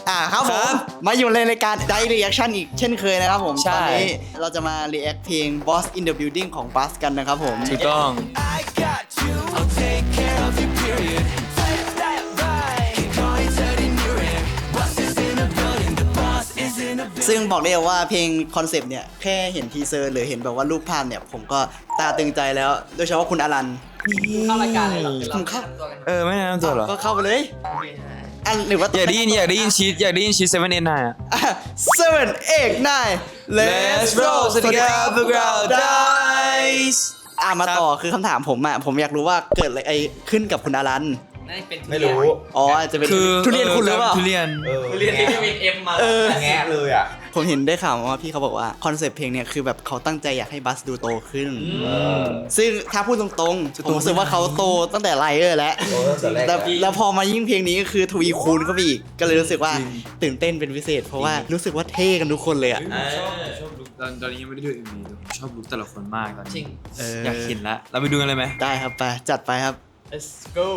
ครับผม มาอยู่ในรายการ Dive Reaction อีกเช่นเคยนะครับผมใช่ตอนนี้เราจะมา react เพลง Boss in the Building ของ Buzz กันนะครับผมถูกต้อง I got you. I'll take care of you, period. That right. Keep going, turning your head. Boss is in the building. The boss is in the building. ซึ่งบอกได้เลยว่าเพลงคอนเซปต์เนี่ย แค่เห็นทีเซอร์หรือเห็นแบบว่ารูปภาพเนี่ย ผมก็ตาตึงใจแล้ว โดยเฉพาะคุณอลันเข้ารายการเลยเหรอผมเข้าไม่แนะนำตัวเหรอก็เข้าไปเลยอันหรือว่าอยากได้ยินชีส7 8 9อ่ะ 7 8 9 Let's roll สวัสดีครับพวกเรา Dice มาต่อคือคำถามผมผมอยากรู้ว่าเกิดอะไรขึ้นกับคุณอลันน่าจะเป็นไม่รู้อ๋ออาจจะเป็นคือทุเรียนคุณหรือเปล่าทุเรียนเรียนที่วินเอ็มมาแงะเลยอ่ะผมเห็นได้ข่าวมาว่าพี่เขาบอกว่าคอนเซปต์เพลงเนี่ยคือแบบเขาตั้งใจอยากให้บัสดูโตขึ้น ซึ่งถ้าพูดตรงๆผมรู้สึกว่าเขาโตตั้งแต่ไลเออร์แล้วโตตั้งแต่แรกแล้วพอมายิ่งเพลงนี้ก็คือทวีคูณเข้าไปอีก ก็เลยรู้สึกว่าตื่นเต้นเป็นพิเศษ เพราะว่ารู้สึกว่าเท่กันทุกคนเลยอ่ะชอบลุคตอนนี้ยังไม่ได้ดู MV แต่ผมชอบลุคแต่ละคนมากตอนจรินี้งอยากเห็นละเราไปดูกันเลยไหมได้ครับไปจัดไปครับ let's go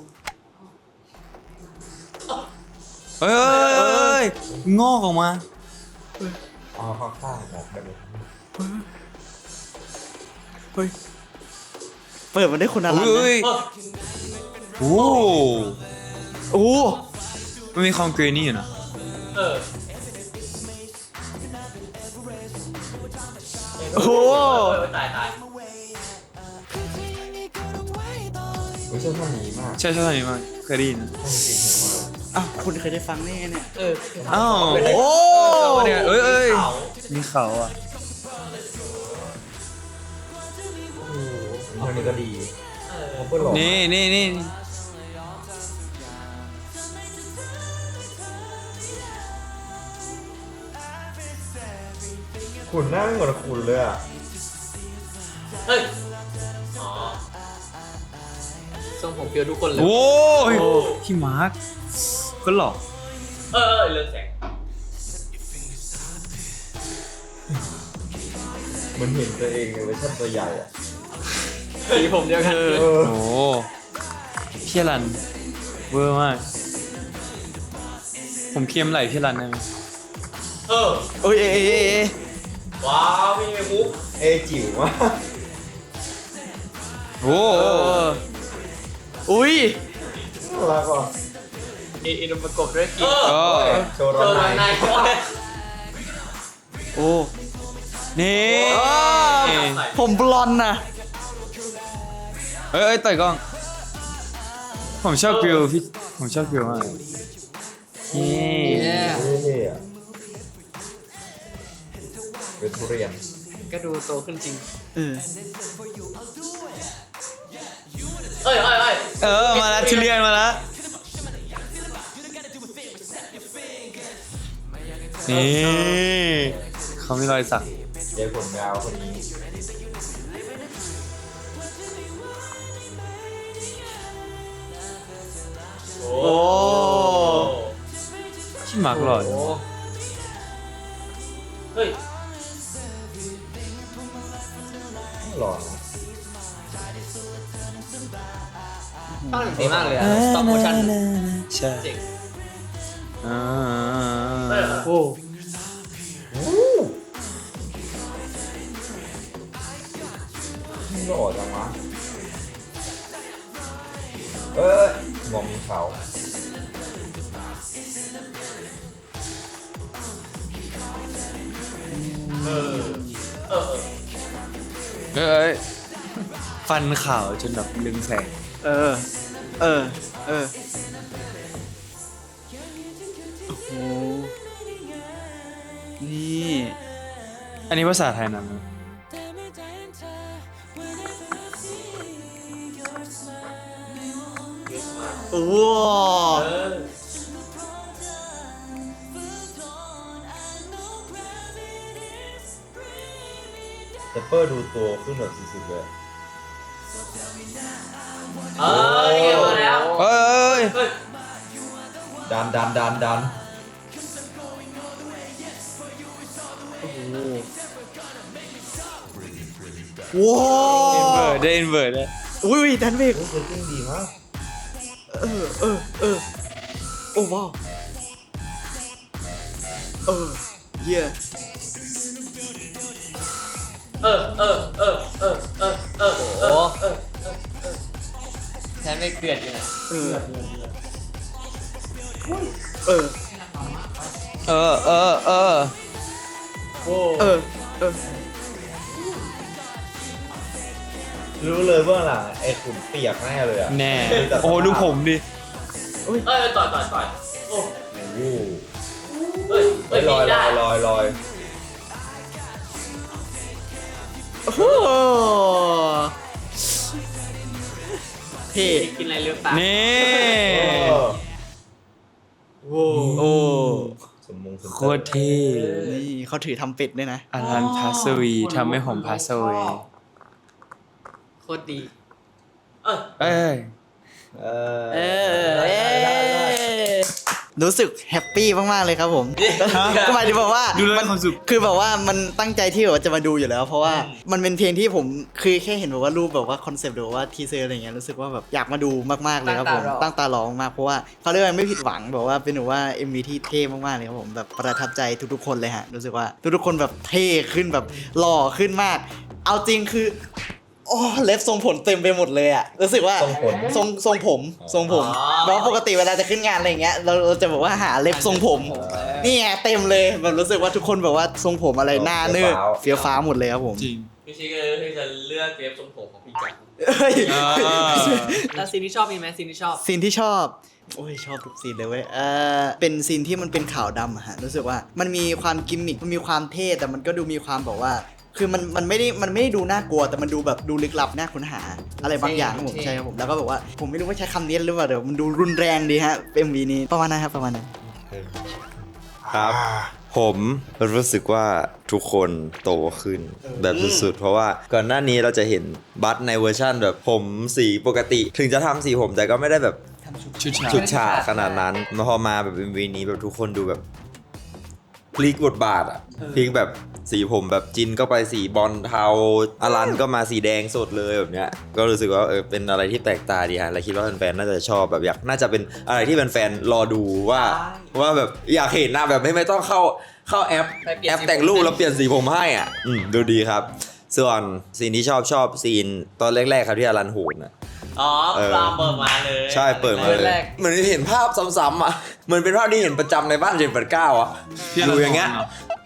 เฮ้ยงอกออกมาอ๋อข้างๆบอกได้เลยเฮ้ยเปิดมาได้คุณอลันเฮ้ยโอ้โอ้มันมีความเกรนี่อยู่นะเออโอ้ตายไม่ใช่ท่อนนี้มากใช่ตอนนี้มากเคยได้ยินท่อนจริงๆมากอ้าวคุณเคยได้ฟังแน่เนี่ยเอออ้าวโอ้เอ้ยมีเขาอ่ะท่อนนี้ก็ดีเขาเปิดหล่อนี่ขุนหน้าไม่เหมือนขุนเลยอ่ะเฮ้ยอ๋อทรงผมเปียวทุกคนเลยโอ้ยพี่มาร์คก็หล่อเรื่องแสงเหมันเห็นตัวเองในเวอร์ชันตัวใหญ่อ่ะสีผมเดียวกันโอ้พี่รันเวอร์มากผมเคียมไหลพี่รันได้ไหมเออโอ้ยเอ๊ะว้าวมีมุกจิ๋วมากโอ้อุ้ยน่ารักว่ะอินประกบด้วยกีก็โชว์ร้อนในโอ้นี่ผมบลอนด์นะเอ้ยต่อยกล้อง ผมชอบกริลพี่ผมชอบกริลมากนี่เท่ๆอ่ะเป็นทุเรียนก็ดูโตขึ้นจริงเออมาแล้วทุเรียนมาแล้วนี่เขามีรอยสักยายผมยาวคนนี้โอ้โอ้ที่มาร์คหล่อจังเฮ้ยหล่อนะภาพหนึ่งดีมากเลยอะ stop motion ใช่เจ๋งอ่าโอ้หล่อจังวะมองมีเขาเอ้ยฟันขาวจนแบบลึงแสงเออโอ้โหนี่อันนี้ภาษาไทยนะโอ้แต่เปอร์ดูตัวขึ้นแบบสุดๆเลยนี่ไงมาแล้วเอ้ยดันว้าอินเวอร์ได้อุ้ยดันเบกเซตติ้งดีมากโอ้ว้าวเหี้ยโอ้แค่ไม่เกลียดอยู่นะเออเออเออรู้เลยเบื้องหลังไอ้ขุนเปียกแน่เลยอ่ะแน่โอ้ดูผมดิต่อยโอ้โอ้เฮ้ยลอยได้ลอยโอ้โหเท่กินอะไรหรือเปล่านี่โอ้โอ้สมงสมโคตรเท่นี่เขาถือทำเป็ดด้วยนะอลันพาสวีทำให้ผมพาสวีโคตรดีเอ้ยเออรู้สึกแฮปปี้มากๆเลยครับผมก็หมายถึงแบบว่าดูแล้วมีความสุขคือแบบว่ามันตั้งใจที่แบบว่าจะมาดูอยู่แล้ว เพราะว่ามันเป็นเพลงที่ผมคือแค่เห็นแบบว่ารูปแบบว่าคอนเซปต์หรือว่าทีเซอร์อะไรเงี้ยรู้สึกว่าแบบอยากมาดูมากๆเลยครับผมตั้งตารอมากๆเพราะว่าเขาเรียกว่าไม่ผิดหวังแบบว่าเป็นแบบว่า MV ที่เท่มากๆเลยครับผมแบบประทับใจทุกๆคนเลยฮะรู้สึกว่าทุกๆคนแบบเท่ขึ้นแบบหล่อขึ้นมาก เอาจริงคือโอ้เล็บทรงผมเต็มไปหมดเลยอะรู้สึกว่าทรงผมทรงผมเพราะปกติเวลาจะขึ้นงานอะไรอย่างเงี้ยเราจะแบบว่าหาเล็บทรงผมนี่ไงเต็มเลยแบบรู้สึกว่าทุกคนแบบว่าทรงผมอะไรหน้าเนื้อเฟี้ยวฟ้าหมดเลยครับผมจริงพี่ชิคก็คือจะเลือกเกรฟทรงผมของพี่จักรเฮ้ยแล้วซีนที่ชอบมีไหมซีนที่ชอบซีนที่ชอบโอ้ยชอบทุกซีนเลยเว้ยเป็นซีนที่มันเป็นขาวดำอะฮะรู้สึกว่ามันมีความกิมมิคมันมีความเท่แต่มันก็ดูมีความแบบว่า คือมันไม่ได้ดูน่ากลัวแต่มันดูแบบดูลึกลับน่าค้นหาอะไรบางอย่างครับผมใช่ครับผมแล้วก็แบบว่าผมไม่รู้ว่าใช้คำนี้หรือเปล่าเดี๋ยวมันดูรุนแรงดีฮะ MV นี้ประมาณนั้นครับประมาณนั้นครับ ผมรู้สึกว่าทุกคนโตขึ้นแบบสุดๆ เพราะว่าก่อนหน้านี้เราจะเห็นบัสในเวอร์ชั่นแบบผมสีปกติ ถึงจะทำสีผมแต่ก็ไม่ได้แบบชุดฉากชุดฉากขนาดนั้นพอมาแบบ MV นี้แบบทุกคนดูแบบพลิกบทบาทอะพลิกแบบสีผมแบบจินก็ไปสีบอลเทาอลันก็มาสีแดงสดเลยแบบเนี้ยก็รู้สึกว่าเป็นอะไรที่แปลกตาดีฮะและคิดว่าแฟนๆน่าจะชอบแบบน่าจะเป็นอะไรที่แฟนๆรอดูว่าแบบอยากเห็นหน้าแบบไม่ต้องเข้าแอปแต่งรูปแล้วเปลี่ยนสีผมให้อ่ะดูดีครับส่วนซีนที่ชอบซีนตอนแรกๆครับที่อลันโหนอ่ะอ๋อปลาเปิดมาเลยใช่เปิดมาเลยเหมือนเห็นภาพซ้ำๆอ่ะเหมือนเป็นภาพที่เห็นประจำในบ้าน789อ่ะดูอย่างเงี้ย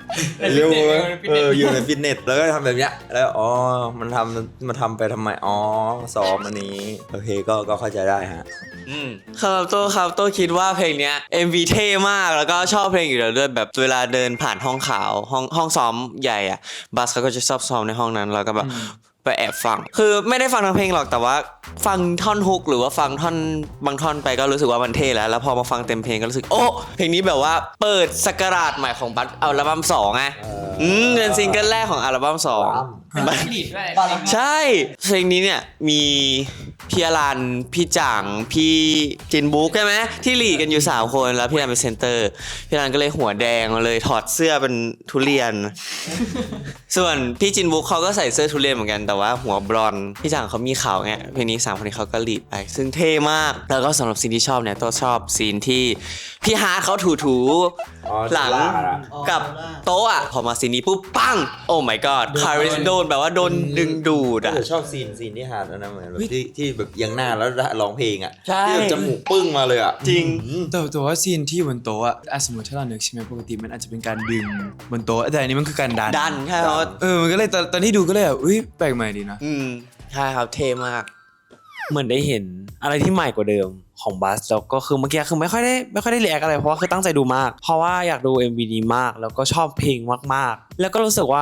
อยู่ในฟิตเนสแล้วก็ทำแบบเนี้ยแล้วมันทำไปทำไมซ้อมอันนี้โอเคก็เข้าใจได้ฮะครับโต้คิดว่าเพลงเนี้ย MV เท่มากแล้วก็ชอบเพลงอยู่แล้วด้วยแบบเวลาเดินผ่านห้องขาวห้องซ้อมใหญ่อะบัสเขาก็จะชอบซ้อมในห้องนั้นแล้วก็แบบไปแอบฟังคือไม่ได้ฟังทั้งเพลงหรอกแต่ว่าฟังท่อนฮุกหรือว่าฟังท่อนบางท่อนไปก็รู้สึกว่ามันเท่แล้วพอมาฟังเต็มเพลงก็รู้สึกโอ้เพลงนี้แบบว่าเปิดศักราชใหม่ของบัสอัลบั้ม2ไงเป็นซิงเกิลแรกของอัลบั้ม2 บัสลีดด้วยใช่เพลงนี้เนี่ยมีพี่อลันพี่จ่างพี่จินบุ๊กใช่ไหมที่ลีดกันอยู่3คนแล้วพี่อลันเป็นเซนเตอร์พี่อลันก็เลยหัวแดงมาเลยถอดเสื้อเป็นทุเรียน ส่วนพี่จินบุ๊กเขาก็ใส่เสื้อทุเรียนเหมือนกันแต่ว่าหัวบลอนด์พี่จ่างเขามีขาวไงเพลงนี้3คนนี้เขาก็ลีดไปซึ่งเท่มากแล้วก็สำหรับซีนที่ชอบเนี่ยตัวชอบซีนที่พี่ฮาร์ดเขาถูหลังกับโต๊ะอะพอมาซีนนี้ปุ๊บปังโอ้ my god คาริสโดนแบบว่าโดนดึงดูดอะแต่ชอบซีนที่ฮาร์ดนะเหมือนแบบที่แบบยังหน้าแล้วร้องเพลงอ่ะใช่ที่แบบจมูกปึ้งมาเลยอ่ะจริงแต่ว่าซีนที่บนโต๊ะอะสมมติถ้าเรานึกใช่ไหมปกติมันอาจจะเป็นการดึงบนโต๊ะแต่อันนี้มันคือการดันดันใช่ครับมันก็เลยตอนที่ดูก็เลยแบบแปลกใหม่ดีนะใช่ครับเท่มากเหมือนได้เห็นอะไรที่ใหม่กว่าเดิมของบัสแล้วก็คือเมื่อกี้คือไม่ค่อยได้รีแอคอะไรเพราะว่าคือตั้งใจดูมากเพราะว่าอยากดู MV นี้มากแล้วก็ชอบเพลงมากๆแล้วก็รู้สึกว่า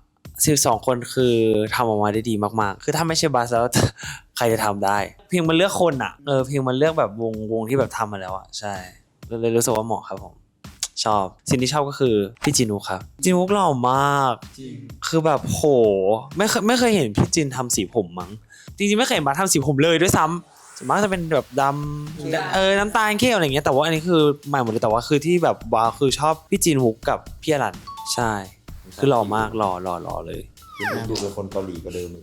12คนคือทำออกมาได้ดีมากๆคือถ้าไม่ใช่บัสแล้ว ใครจะทำได้เพลงมันเลือกคนอ่ะเพลงมันเลือกแบบวงที่แบบทำมาแล้วอ่ะใช่เลยรู้สึกว่าเหมาะครับผมชอบสิ่งที่ชอบก็คือพี่จินุกครับจินุกหล่อมากคือแบบโหไม่เคยเห็นพี่จินทำสีผมมั้งจริงๆไม่เคยเห็นบัสทำสีผมเลยด้วยซ้ำส่วนมากจะเป็นแบบดำน้ำตาลเข้มอะไรอย่างเงี้ยแต่ว่าอันนี้คือใหม่หมดเลยแต่ว่าคือที่แบบว้าวคือชอบพี่จินฮุกกับพี่อรันใช่คือหล่อมากหล่อเลยจินบุ๊กดูเป็นคนเกาหลีกว่าเดิมอีก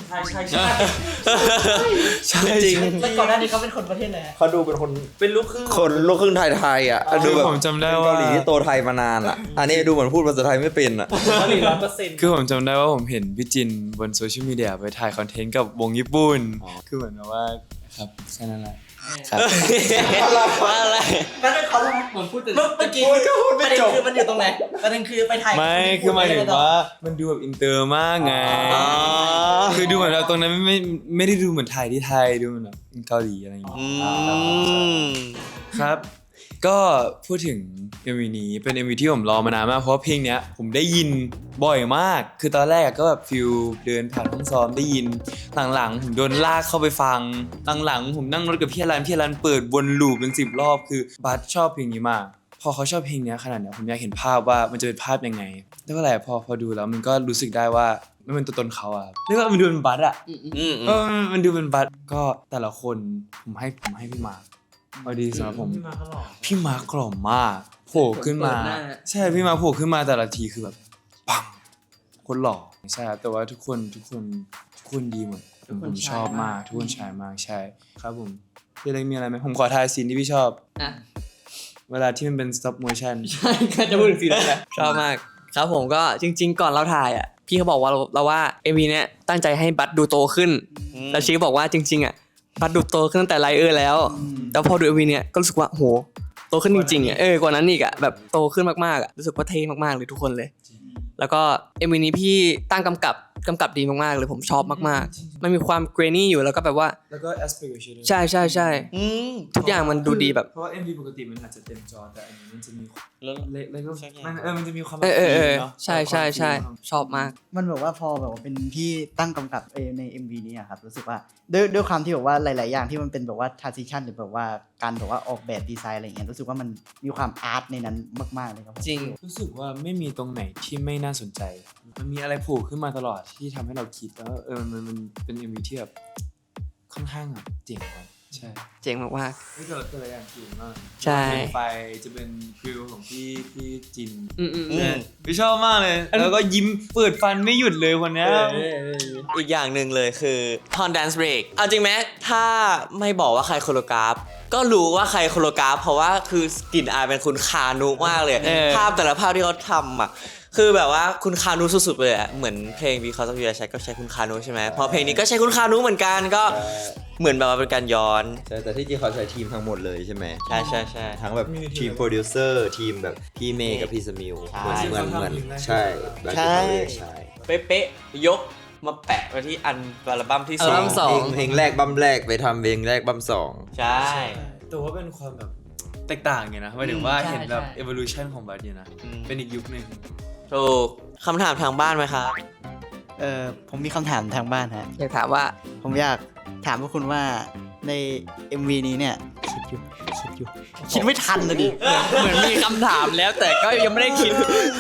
ใช่จริงแล้วก่อนหน้านี้เขาเป็นคนประเทศไหนเขาดูเป็นคนเป็นลูกครึ่งไทยอ่ะดูแบบผมจำได้เป็นว่าเกาหลีที่โตไทยมานานอ่ะอันนี้ดูเหมือนพูดภาษาไทยไม่เป็นอ่ะคือผมจำได้ว่าผมเห็นพี่จินบนโซเชียลมีเดียไปถ่ายคอนเทนต์กับวงญี่ปุ่น คือเหมือนแบบว่าครับแค่นั้นแหละครับว่าอะไรก็เป็นเขาเหมือนพูดเมื่อกี้ประเด็นคือมันอยู่ตรงไหนประเด็นคือไปถ่ายไม่คือหมายถึงว่ามันดูแบบอินเตอร์มากไง คือดูเหมือนเราตรงนั้นไม่ได้ดูเหมือนถ่ายที่ไทยดูเหมือนแบบเกาหลีอะไรอย่างเงี้ยอืมครับ ก็พูดถึง MV นี้เป็น MV ที่ผมรอมานานมากเพราะว่าเพลงเนี้ยผมได้ยินบ่อยมาก คือตอนแรกก็แบบฟิลเดินผ่านห้องซ้อมได้ยินหลังๆผมโดนลากเข้าไปฟังหลังๆผมนั่งรถกับพี่อรันเปิดวนลูปเป็น10 รอบคือบัสชอบเพลงนี้มากพอเขาชอบเพลงเนี้ยขนาดเนี้ยผมอยากเห็นภาพว่ามันจะเป็นภาพยังไงแล้วก็แหละพอดูแล้วมันก็รู้สึกได้ว่ามันเป็นตัวตนเขาอะเรียกว่ามันดูเป็นบัสอะ มันดูเป็นบัสก็แต่ละคนผมให้พี่มาร์คเอาดีสำหรับผมพี่มาร์คกล่อมมากโผล่ขึ้นมาใช่พี่มาร์คโผล่ขึ้นมาแต่ละทีคือแบบปังคนหล่อใช่ครับแต่ว่าทุกคนดีหมดผมชอบมากทุกคนชายมากใช่ครับผมพี่เล็กมีอะไรไหมผมขอทายซีนที่พี่ชอบอ่ะเวลาที่มันเป็น stop motion ใช่ก็จะพูดถึงซีนนั้นแหละชอบมากครับผมก็จริง ๆ ก่อนเราถ่ายอ่ะพี่เขาบอกว่าเราว่า MV เนี้ยตั้งใจให้บัสดูโตขึ้นแล้วชีบอกว่าจริงๆอ่ะบัสดูโตขึ้นตั้งแต่ไลเออร์แล้วแต่พอดู MV เนี้ยก็รู้สึกว่าโหโตขึ้นจริงๆอ่ะกว่านั้นอีกอ่ะแบบโตขึ้นมากๆอ่ะรู้สึกว่าเท่มากๆเลยทุกคนเลยแล้วก็ MV นี้พี่ตั้งกำกับดีมากๆเลยผมชอบมากๆมันมีความเกรนี่อยู่แล้วก็แบบว่าแล้วก็ aspiration ใช่ทุกอย่างมันดูดีแบบเพราะว่า MV ปกติมันอาจจะเต็มจอแต่อันนี้มันจะมีแล้วก็ใช่ไงมันจะมีความเใช่ชอบมากมันแบบว่าพอแบบว่าเป็นพี่ตั้งกำกับใน MV นี้อะครับรู้สึกว่าด้วยความที่แบบว่าหลายๆอย่างที่มันเป็นแบบว่า transition หรือแบบว่าการแบบว่าออกแบบดีไซน์อะไรอย่างเงี้ยรู้สึกว่ามันมีความอาร์ตในนั้นมากๆเลยครับผมจริงรู้สึกว่าไม่มีตรงไหนที่ไม่น่าสนใจ มันมีอะไรโผล่ขึ้นมาตลอดที่ทำให้เราคิดแล้วมันเป็น MV ที่แบบค่อนข้างแบบเจ๋งกว่าใช่เจ๋งมากแต่ละอย่างเจ๋งมากใช่ไฟจะเป็นฟิลของพี่จินๆอืมใช่พี่ชอบมากเลย แล้วก็ยิ้มเปิดฟันไม่หยุดเลยวันเนี้ยอีกอย่างหนึ่งเลยคือตอน dance break เอาจริงไหมถ้าไม่บอกว่าใครโคโรกราฟ ก็รู้ว่าใครโคโรกราฟ เพราะว่าคือกลิ่นอายเป็นคุณคานุมากเลย ภาพแต่ละภาพที่เขาทำอ่ะคือแบบว่าคุณคานุสุดๆเลยอ่ะเหมือนเพลง Because of You ใช้ก็ใช้คุณคานุใช่ไหมพอเพลงนี้ก็ใช้คุณคานุเหมือนกันก็เหมือนแบบว่าเป็นการย้อนใช่แต่ที่จริงเขาใช้ทีมทั้งหมดเลยใช่ไหมใช่ทั้งแบบทีมโปรดิวเซอร์ทีมแบบพี่เมย์กับพี่สมิวเหมือนใช่แบบที่เขาเรียกใช่เป๊ะๆยกมาแปะไว้ที่อัลบั้มที่อัลบั้มสองเพลงแรกบัมแรกไปทำเพลงแรกบัมสองใช่แต่ว่าเป็นความแบบแตกต่างไงนะหมายถึงว่าใช่เห็นแบบใช่ evolution ของบัสเนี่ยนะ เป็นอีกยุคหนึ่งถูกคำถามทางบ้านไหมครับผมมีคำถามทางบ้านฮะอยากถามว่าผมอยากถามพวกคุณว่าใน MV นี้เนี่ยคิดไม่ทันเลยดิเหมือนมีคำถามแล้วแต่ก็ยังไม่ได้คิด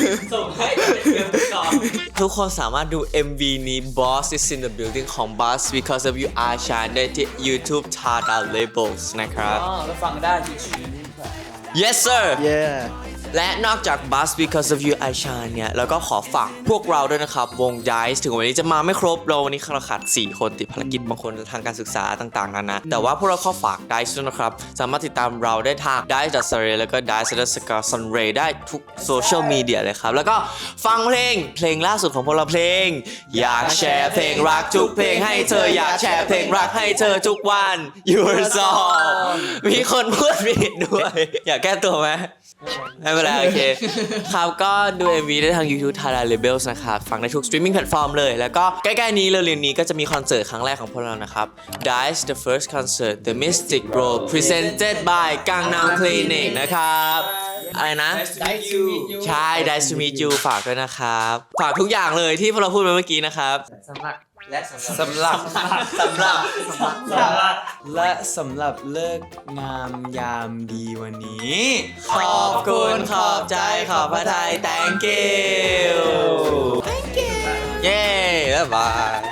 ทุกคนสามารถดู MV นี้ Boss is in the building ของ Boss Because of You Are Shine ได้ที่ YouTube Tada Labels นะครับแล้วฟังได้ที่ชี Yes sir yeah และนอกจาก Buzz Because of You I Shine เนี่ยแล้วก็ขอฝากพวกเราด้วยนะครับ วง Dice ถึงวันนี้จะมาไม่ครบเราวันนี้เราขาด4 คนติดภารกิจบางคนทางการศึกษาต่างๆนานาแต่ว่าพวกเราขอฝาก Dice ด้วยนะครับ สามารถติดตามเราได้ทาง dice.sunray แล้วก็ dice.sunray ได้ทุกโซเชียลมีเดียเลยครับ แล้วก็ฟังเพลงล่าสุดของพวกเราเพลง อยากแชร์เพลงรักทุกเพลงให้เธออยากแชร์เพลงรักให้เธอทุกวัน Your Song มีคนพูดผิดด้วย อยากแก้ตัวไหม ไม่เป็นไรโอเค ครับก็ดู MV ได้ทาง YouTube Tada Labels นะครับฟังได้ทุก streaming platform เลย แล้วก็ใกล้ๆนี้เร็วๆนี้ก็จะมีคอนเสิร์ตครั้งแรกของพวกเรานะครับ Dice the first concert The Mystic Bro presented by Gangnam Clinic นะครับอะไรนะ ใช่ Dice to meet you ฝากด้วยนะครับ ฝากทุกอย่างเลยที่พวกเราพูดไปเมื่อกี้นะครับสำหรับเลิกงามยามดีวันนี้ขอบคุณขอบใจขอบพระทัย thank you เย้บ๊ายบาย